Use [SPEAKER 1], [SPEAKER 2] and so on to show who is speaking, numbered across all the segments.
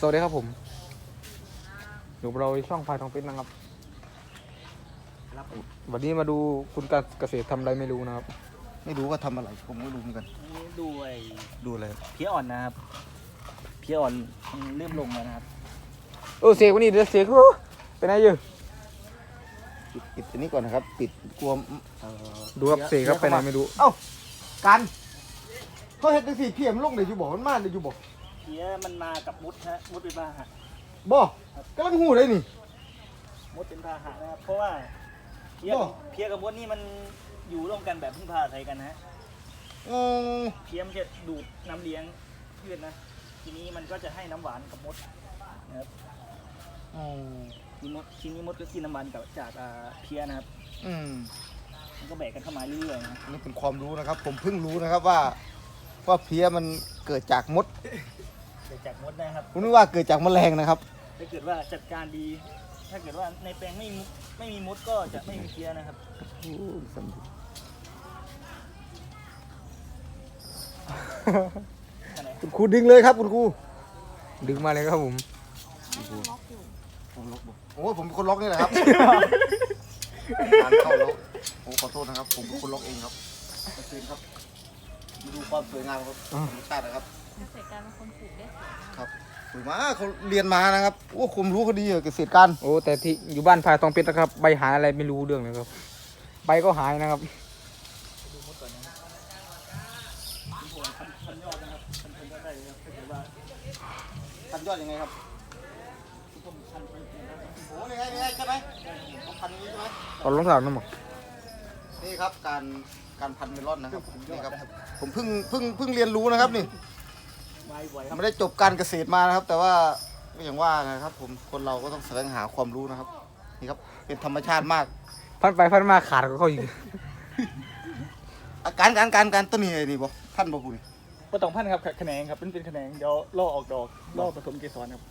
[SPEAKER 1] วัสดีครับผมอยู่เราช่องพายทองเพชรนะครับวันนี้มาดูคุณการเกษตรทำอะไรไม่รู้นะครับ
[SPEAKER 2] ไม่รู้ว่าทำอะไรผมไม่รู้เหมือนกัน
[SPEAKER 3] ดู
[SPEAKER 2] อะไร
[SPEAKER 3] เพี้ยอ่อนนะครับเพี้ยอ่อนเริ่มลงแล้วนะครับ
[SPEAKER 1] เสกวันนี้เดี๋ยวเสกเป็นไงอยู่
[SPEAKER 2] ปิดอันนี้ก่อนนะครับปิดกลัว
[SPEAKER 1] ดูครับเสกครับไปไหนไม่รู้
[SPEAKER 2] เอ้ากันเขาเห็นเป็นสีเพียมลงเดี๋ยวอยู่บอกมันมาเดี๋ยวอยู่บอก
[SPEAKER 3] เพี้ยมันมากับมุดฮะมุดเป็นพาหะ
[SPEAKER 2] บอกกำลังหูเลยนี่
[SPEAKER 3] มุดเป็นพาหะนะครับเพราะว่าเพี้ยกับมุดนี่มันอยู่ร่วมกันแบบพึ่งพาอาศัยกันนะฮะเพี้ยมันจะดูดน้ำเลี้ยงพืชนะทีนี้มันก็จะให้น้ำหวานกับมดนะครับทีนี้มดก็กินน้ำหวานจากเพี้ยนะครับมันก็แบกกันเข้ามาเรื่อยๆนะ
[SPEAKER 2] นี่เป็นความรู้นะครับผมเพิ่งรู้นะครับว่าเพี้ยมันเกิดจากมด
[SPEAKER 3] เกิดจากมดนะครับ
[SPEAKER 2] ผมนึกว่าเกิดจากแมลงนะครับ
[SPEAKER 3] ถ้าเกิดว่าจัดการดีถ้าเกิดว่าในแปลงไม่มีมดก็จะไม่มีเพี้ยนะครับ
[SPEAKER 2] คุณครูดึงเลยครับคุณครู
[SPEAKER 1] ดึงมาเลยครับผม
[SPEAKER 2] ผมล็อกโอ้ผมเป็นคนล็อกนี่แหละครับการเข้าล็อกผมขอโทษนะครับผมเป็นคนล็อกเองครับมาคืนครับมาดูความสวยงามครับธรรมชาตินะครับ
[SPEAKER 4] เกษตรการเป็นคนปลูกได้
[SPEAKER 2] ครับสวยมากเขาเรียนมานะครับโอ้ความรู้เขาดีเกษตรการ
[SPEAKER 1] แต่ที่อยู่บ้านพายทองเพชรนะครับใบหายอะไรไม่รู้เรื่องเลยครับใบก็หายนะครับ
[SPEAKER 3] ดูมดก่อนนะครับพันยอดนะครับพันยอดได้เลยครับถ้าเกิดว่า
[SPEAKER 2] พันยอดยังไงครับโอ้นี่ไงใช่ไหมต้องพันนี้ใช่ไหม
[SPEAKER 1] เอาลงสาวนั่นหมด
[SPEAKER 2] นี่ครับการพันเมลอนนะครับนี่ครับผมเพิ่งเรียนรู้นะครับนี่ไม่ได้จบการเกษตรมานะครับ แต่ว่าก็อย่างว่านะครับผมคนเราก็ต้องแสวงหาความรู้นะครับนี่ครับเป็นธรรมชาติมาก
[SPEAKER 1] พันไปพันมาขาดก็เขาอยู่
[SPEAKER 2] การต้นนี้ไอ้นี่บ่ท่านบ่คุณ
[SPEAKER 3] ก็ต้องพันครับแขนงครับเป็นแขนงเดี๋ยวล่อออกดอกล่อผสมเกสรครับ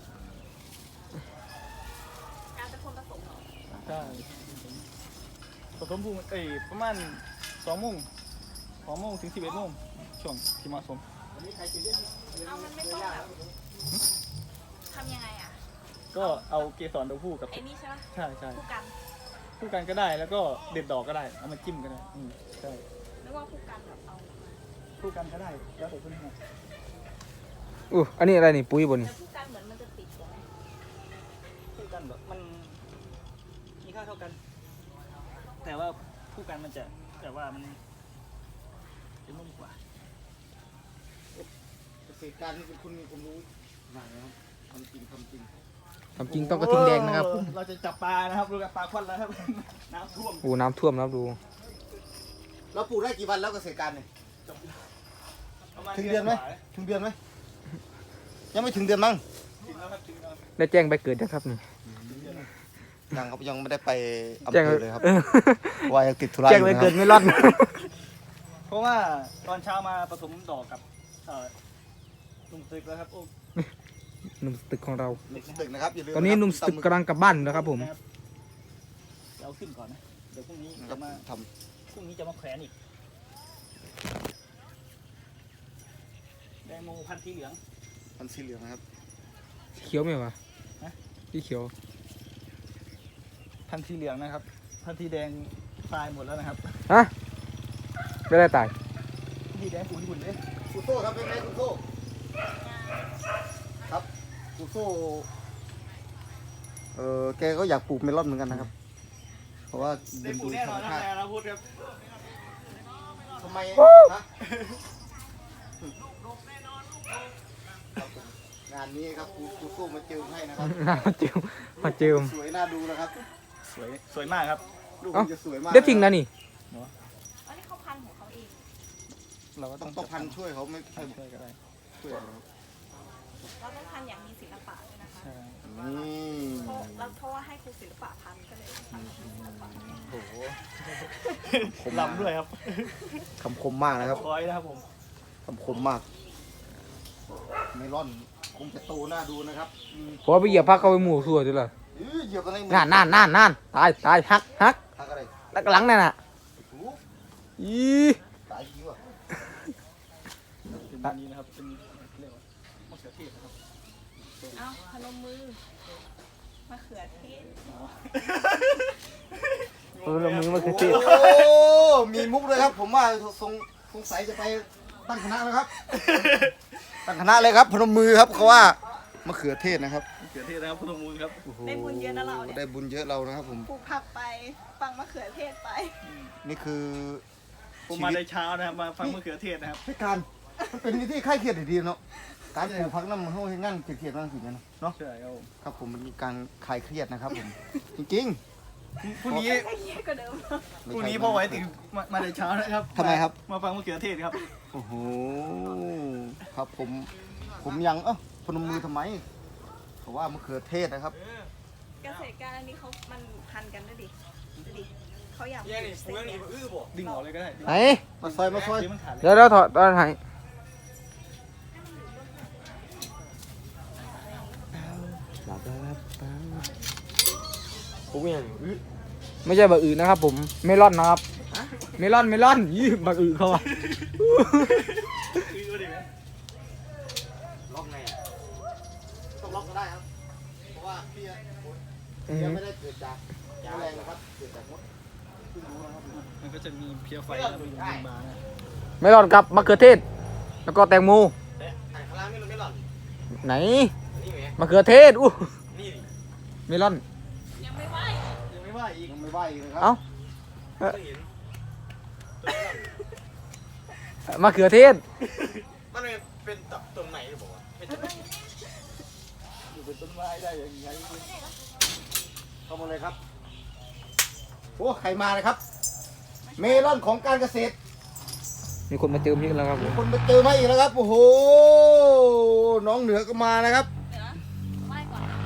[SPEAKER 4] การเป็นคนผสมเหรอ
[SPEAKER 3] ใช่ผสมภูมิประมาณ2 โมงถึง11 โมงช่วงที่เหมาะสม
[SPEAKER 4] เอามันไม่ต้องแบบทำยังไงอ่ะ
[SPEAKER 3] ก็เอาเกสรตัวผู้กับ
[SPEAKER 4] ไอ้นี่ใช่ไหม
[SPEAKER 3] ใช่
[SPEAKER 4] คู่
[SPEAKER 3] กันก็ได้แล้วก็เด็ดดอกก็ได้เอามาจิ้มก็ได้ใช่
[SPEAKER 4] ไม่ว่าคู่กันแบบเอา
[SPEAKER 3] คู่กันก็ได้แล้วแต่เพื่อน
[SPEAKER 1] อันนี้อะไรนี่ปุ๋ยบน
[SPEAKER 4] คู่กันเหมือนมันจะติดกัน
[SPEAKER 3] คู่กันแบบมันมีค่าเท่ากันแต่ว่าคู่กันมันจะแต่ว่ามันจะนุ่มกว่า
[SPEAKER 2] เกษตรการนี่เป็นคนมีความรู้มากนะครับทำจริง
[SPEAKER 1] ต้องกระทิงแดงนะครับ
[SPEAKER 3] เราจะจับปลานะครับดูกับปลาควันแล้วครับน้ำท่วม
[SPEAKER 1] น้ำท่วมแล้วดู
[SPEAKER 2] เราปลูกได้กี่วันแล้วเกษตรการเนี่ยถึงเดือนไหมยังไม่ถึงเดือนมั้ง
[SPEAKER 1] ได้แจ้งไปเกิดนะครับนี่
[SPEAKER 2] ยังไม่ได้ไปอำเภอเลยครับว่ายังติดธุระ
[SPEAKER 1] แจ้งไปเกิดไม่รอด
[SPEAKER 3] เพราะว่าตอนเช้ามาผสมดอกกับนุ่มตึกแล้วครับ
[SPEAKER 1] หนุ่มตึกของเรา
[SPEAKER 2] ตึกนะครับ
[SPEAKER 1] ตอนนี้หนุ่มตึกกำลังกลับบ้านนะครับผม
[SPEAKER 3] เอาขึ้นก่อนนะเดี๋ยวพรุ่งนี้จะมาแขวนอีกแดงโมพันธุ์สีเหลือง
[SPEAKER 2] นะครับ
[SPEAKER 1] เขียวไหมวะสีเขียว
[SPEAKER 3] พันธุ์สีเหลืองนะครับพันธุ์สีแดงตายหมดแล้วนะครับ
[SPEAKER 1] ไม่ได้ตาย
[SPEAKER 3] สีแดงขุ่นเลย
[SPEAKER 2] กูโซ่ครับเป็นไงกูโซ่ครับกูโซ่แกก็อยากปลูกเมลอนเหมือนกันนะครับเพราะว่าเรียนดูธรรมชาติทำไมนะงานนี้ครับกูโซ่มาเจิมให้นะครับ
[SPEAKER 1] มาเจิม
[SPEAKER 2] สวยน่าดูนะครับ
[SPEAKER 3] สวยมากครับ
[SPEAKER 2] ลูกจะสวยมาก
[SPEAKER 1] เด็ดจริงนะนี่
[SPEAKER 4] อันนี้เขาพันของเขาเอง
[SPEAKER 2] เราก็ต้องพันช่วยเขาไม่ใช่
[SPEAKER 3] ก็ได้
[SPEAKER 2] ช่วย
[SPEAKER 4] เราต้องพันอย่างมีศิลปะด้วยนะคะเราเพราะว่าให้ครูศิลปะพันก็เลยพัน
[SPEAKER 3] โอ้โหลำด้วยครับ
[SPEAKER 2] คำคมมากนะครับ
[SPEAKER 3] ร้อยนะครับผม
[SPEAKER 2] คำคมมากเมลอนคงจะโตน่าดูนะครับ
[SPEAKER 1] เพราะไปเหยียบพักเขาไปหมู่ส่วนด้วยล่ะ
[SPEAKER 2] เหยียบอะไร
[SPEAKER 1] นั่นตายฮัก
[SPEAKER 2] อะไร
[SPEAKER 1] แล้วหลังนั่นน่ะ
[SPEAKER 2] ตายจริงวะ
[SPEAKER 3] เป็นแบบนี้นะครับเป็นเรียกว่ามะเขือเทศนะครับ
[SPEAKER 4] เอาพนมมือมะเขือเทศ
[SPEAKER 1] เรามือมาคือติด
[SPEAKER 2] โอ้มีมุกเลยครับ ผมว่าสงสัยจะไปตั้งคณะนะครับ ตั้งคณะเลยครับพนมมือครับเขาว่ามะเขือเทศนะครับ
[SPEAKER 3] เขือเทศนะครับพนมมือครับ
[SPEAKER 2] โอ้โห
[SPEAKER 4] ได้บุญเยอะนะเราเนี่ย
[SPEAKER 2] ได้บุญเยอะเรานะครับผม
[SPEAKER 4] ปลูกผักไปฟังมะเขือเทศไป
[SPEAKER 2] นี่คือ
[SPEAKER 3] ผมมาในเช้านะครับมาฟังมะเขือเทศนะครับ
[SPEAKER 2] พิการมันเป็นวิธีคลายเครียดดีๆเนาะการปลูกผักน้ำมันเขาให้งั้นเครียดๆนั่งสิกันเนาะ
[SPEAKER 3] ใช่ครับผม
[SPEAKER 2] ครับผมมันมีการคลายเครียดนะครับผม จริง
[SPEAKER 3] พรุ่งนี้
[SPEAKER 4] ไอ้เหี้ยก็เดิม
[SPEAKER 2] ๆ
[SPEAKER 3] พรุ่งนี้พ่อไว้ตื่นมาในเช้านะครับ
[SPEAKER 2] ทำไมครับ
[SPEAKER 3] มาฟังมะเขือเทศครับ
[SPEAKER 2] โอ้โหครับผมยังพนมมือทำไมเพราะว่ามะเขือเทศนะครับ
[SPEAKER 4] เกษตรการอันนี้เขามันพันกันด้วยดิดูดิเขาอยากปลูกเสร็จเนี่ย
[SPEAKER 3] ดึงออกเลยก็ได้
[SPEAKER 1] ไหน
[SPEAKER 2] มาซอย
[SPEAKER 3] เดี๋ยวมันขาดเลย
[SPEAKER 1] เดี๋ยวถอดตอนไหนไม่ใช่บะอื่นนะครับผมเมลอนนะครับเมลอนยี่บะอื่นเขาอะ
[SPEAKER 2] ล็อกไงต้องล็อกก็ได้ครับ เพราะว่าเพี้ยไม่ได้เกิดจากแมลงนะครับเกิดจากมดเพิ่งรู้นะครับ
[SPEAKER 3] มันก็จะมีเพียไฟแล้วมีมานะ
[SPEAKER 1] เมลอนกับมะเขือเทศ แล้วก็แตงโม
[SPEAKER 2] ไอ้ข้างล่างไม่หล่อน
[SPEAKER 1] ไหน
[SPEAKER 2] นี่ไง
[SPEAKER 1] มะเขือเทศอู้
[SPEAKER 2] นี่
[SPEAKER 1] เมลอน
[SPEAKER 4] ยังไม่ไหว
[SPEAKER 3] ยังไม่ว่าอีก
[SPEAKER 2] ยังไม่ไหวอีกนะครั
[SPEAKER 1] เอ้า
[SPEAKER 2] ไม่เห็น
[SPEAKER 1] มะเขือเทศ
[SPEAKER 2] มันเป็นต้นไหนหรือเปล่าเป็นต้นไหน
[SPEAKER 3] อยู่เป็นต้นไม้ได้ยังไง
[SPEAKER 2] เข้ามาเลยครับโอ้ใครมาเลยครับ เมลอนของการเกษตร
[SPEAKER 1] มีคนมาเจอพี่แล้วครับผม
[SPEAKER 2] คนไปเจอมาอีกแล้วครับ โอ้โห น้องเหนือก็มานะครับ
[SPEAKER 4] เดี๋ยวนะไหว้ก่อนนะ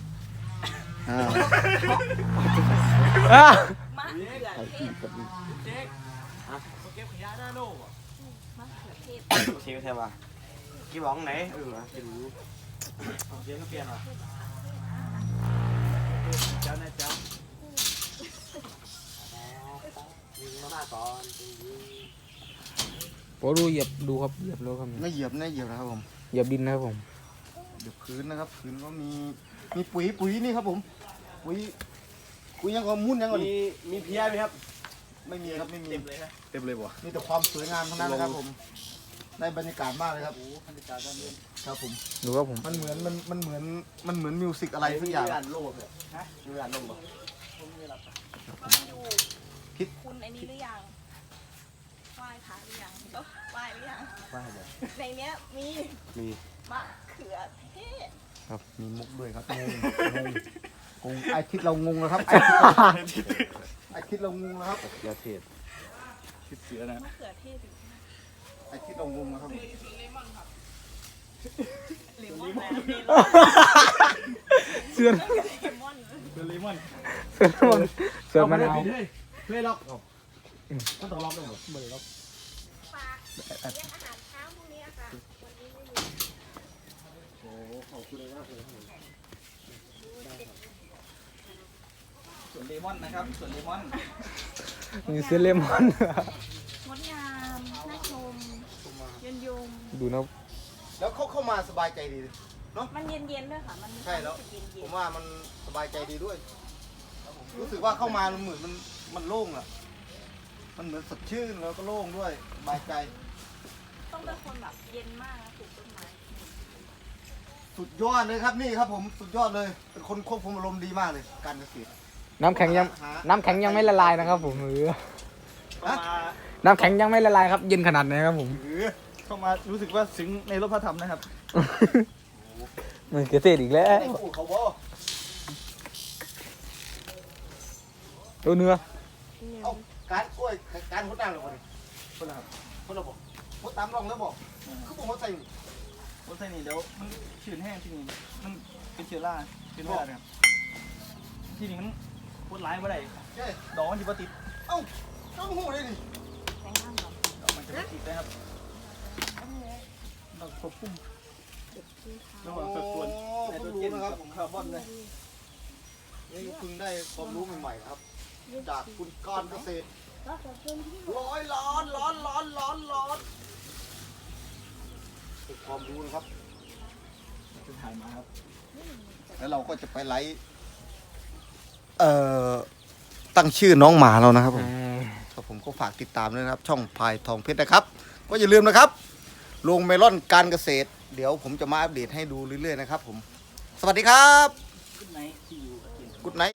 [SPEAKER 1] อ่ะ
[SPEAKER 4] มะเขือเทศ
[SPEAKER 3] เก็บขยะหน้าโน่
[SPEAKER 4] มะเขือเทศ
[SPEAKER 2] เชียร์ใช่ป่ะกี่บ้องไหนจะรู้
[SPEAKER 3] เสียงก็เปลี่ยนว่ะเจ้านะเจ้า
[SPEAKER 2] ยิงมาก่อน
[SPEAKER 1] โปดูเหยียบดูครับเหยียบแล้วครับ
[SPEAKER 2] ไม่เหยียบนะครับผม
[SPEAKER 1] เหยียบดินนะครับผม
[SPEAKER 2] เดี๋ยวพื้นนะครับพื้นก็มีปุ๋ยนี่ครับผมปุ๋ยยังก็มุ่นยังก่อน
[SPEAKER 3] มีเพียไหมครับ
[SPEAKER 2] ไม่มีครับไม่มี
[SPEAKER 3] เต็มเลยนะเต็มเลยบ่
[SPEAKER 2] มีแต่ความสวยงามทั้งนั้นนะครับผมได้บรรยากาศมากเลยครับ
[SPEAKER 3] บรรยากาศด้านนี้
[SPEAKER 2] ครับผม
[SPEAKER 1] ดูครับผม
[SPEAKER 2] มันเหมือนมิวสิกอะไรสักอย่าง
[SPEAKER 3] โลกเลยฮะมีร้านโลกบ่
[SPEAKER 4] ก็มาดูคุณไอ้นี้หรือยังไหว้พระหรือยังก็ไหว้หรือยัง
[SPEAKER 2] ว่าเลย
[SPEAKER 4] ในเนี้ยมี
[SPEAKER 2] มี
[SPEAKER 4] มะเขือเทศ
[SPEAKER 2] ครับมีมุกด้วยครับงงไอทิศเรางงแล้วครับไอทิศเรางงแล้วครับยาเทศ
[SPEAKER 3] คิดเสือนะ
[SPEAKER 4] มะเขือเทศอยู่
[SPEAKER 2] ไอทิศเรางงแล้วครับ
[SPEAKER 4] เลมอนนะเลมอน
[SPEAKER 1] เสื้อ
[SPEAKER 4] เลมอน
[SPEAKER 3] เป็นเลมอน
[SPEAKER 1] เสื้อมะนาว
[SPEAKER 3] เล่ล็อกต้องต้องล็อกด้วยเหรอไม่ได้ล็อก
[SPEAKER 4] ฝากเลี้ยงอาหารเช้าพรุ่งนี้อะค่ะวันนี้ไม่มี
[SPEAKER 3] โอ้ขอบคุณเลยมากเลยส่วนเลมอนนะครับส่วนเลมอน
[SPEAKER 1] มีเสื้อเลมอน
[SPEAKER 4] งดงามน่าชมเย็นยม
[SPEAKER 1] ดูนะ
[SPEAKER 2] แล้วเข้ามาสบายใจดี
[SPEAKER 4] มันเย็นๆด้วยค่ะ มันมี
[SPEAKER 2] ใช่แล้ว
[SPEAKER 4] ความรู้สึกเย็
[SPEAKER 2] ผ
[SPEAKER 4] น
[SPEAKER 2] มว่ามันสบายใจดีด้วย รู้สึกว่าเข้ามามันเหมือนมันโล่งอ่ะ มันเหมือนสดชื่นแล้วก็โล่งด้วยสบายใจ
[SPEAKER 4] ๆต้องเป็นคนแบบเย็นมากนะปลูกต้นไม้
[SPEAKER 2] สุดยอดเลยครับนี่ครับผมสุดยอดเลย เป็นคนควบคุมอารมณ์ดีมากเลย การเกษตร
[SPEAKER 1] น้ำแข็งยังไม่ละลายนะครับผมหรือ
[SPEAKER 3] เข้ามา
[SPEAKER 1] น้ำแข็งยังไม่ละลายครับเย็นขนาดไหนครับผม
[SPEAKER 3] เข้ามารู้สึกว่าซึ้งในรถพระธรรมนะครับ
[SPEAKER 1] มันเกษตรอีกแล้ว
[SPEAKER 2] ไอ้ผู้เขาบอก
[SPEAKER 1] ตัวเนื้อ
[SPEAKER 2] เอาการกล้วยการหดน้ำหรือเปล่าคนละครับคนละบอกหดตามร่องแล้วบอกคือผมหดใส่
[SPEAKER 3] รถไฟนี่เดี๋ยวมันชื้นแห้งที่นี่มันเป็นเชื้อรานะครับที่นี่มันพูดร้ายไม่ได้
[SPEAKER 2] ใช่
[SPEAKER 3] ดอกมันจะมาติด
[SPEAKER 2] เอ้าต้องหูเลยดิ
[SPEAKER 4] แข็งน้ำก่อน
[SPEAKER 3] ดอกมันจะมาติดนะครับต้องควบคุมระหว่างสัดส่วนไนโตรเจนกับคาร์บอนเลย
[SPEAKER 2] นี่เพิ่งได้ความรู้ใหม่ๆครับ จากคุณการเกษตรร้อนเป็นความรู้นะครับ
[SPEAKER 3] ถ่ายมาครับ
[SPEAKER 2] แล้วเราก็จะไปไลฟ์ตั้งชื่อน้องหมาเรานะครับผมครับผมก็ฝากติดตามด้วยนะครับ ช่องพายทองเพชรนะครับ ก็อย่าลืมนะครับลงเมลอนการเกษตร เดี๋ยวผมจะมาอัปเดตให้ดูเรื่อยๆนะครับผมสวัสดีครับ
[SPEAKER 3] ขึ้นไหนที่อยู่กับเกียรติ
[SPEAKER 2] กุดไนท์